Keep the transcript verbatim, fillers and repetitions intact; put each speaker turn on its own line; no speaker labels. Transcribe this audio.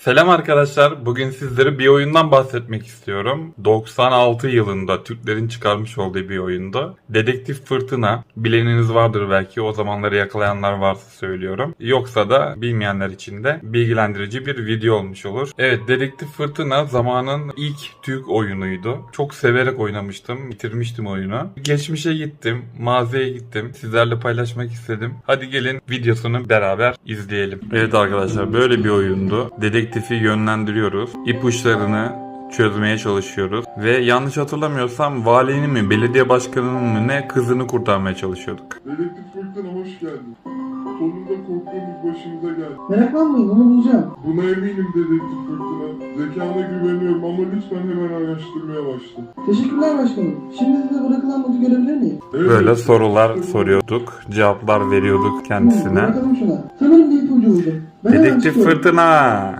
Selam arkadaşlar. Bugün sizlere bir oyundan bahsetmek istiyorum. doksan altı yılında Türklerin çıkarmış olduğu bir oyunda. Dedektif Fırtına. Bileniniz vardır belki. O zamanları yakalayanlar varsa söylüyorum. Yoksa da bilmeyenler için de bilgilendirici bir video olmuş olur. Evet, Dedektif Fırtına zamanın ilk Türk oyunuydu. Çok severek oynamıştım. Bitirmiştim oyunu. Geçmişe gittim. Maziye gittim. Sizlerle paylaşmak istedim. Hadi gelin videosunu beraber izleyelim. Evet arkadaşlar, böyle bir oyundu. Dedektifi yönlendiriyoruz. İpuçlarını çözmeye çalışıyoruz. Ve yanlış hatırlamıyorsam valinin mi, belediye başkanının mı ne kızını kurtarmaya çalışıyorduk.
Dedektif Fırtına hoş geldin. Sonunda korktuğumuz başımıza geldi.
Meraklanmayın, onu bulacağım.
Buna eminim Dedektif Fırtına. Zekana güveniyorum ama lütfen hemen araştırmaya başla.
Teşekkürler başkanım. Şimdi size bırakılan notu görebilir miyim?
Evet,
Böyle
işte
sorular
bu.
soruyorduk. Cevaplar veriyorduk
Tamam,
kendisine.
bakalım şuna. Sanırım bir ipucu buldum. Ben hemen
Dedektif
çıkıyorum.
Fırtına.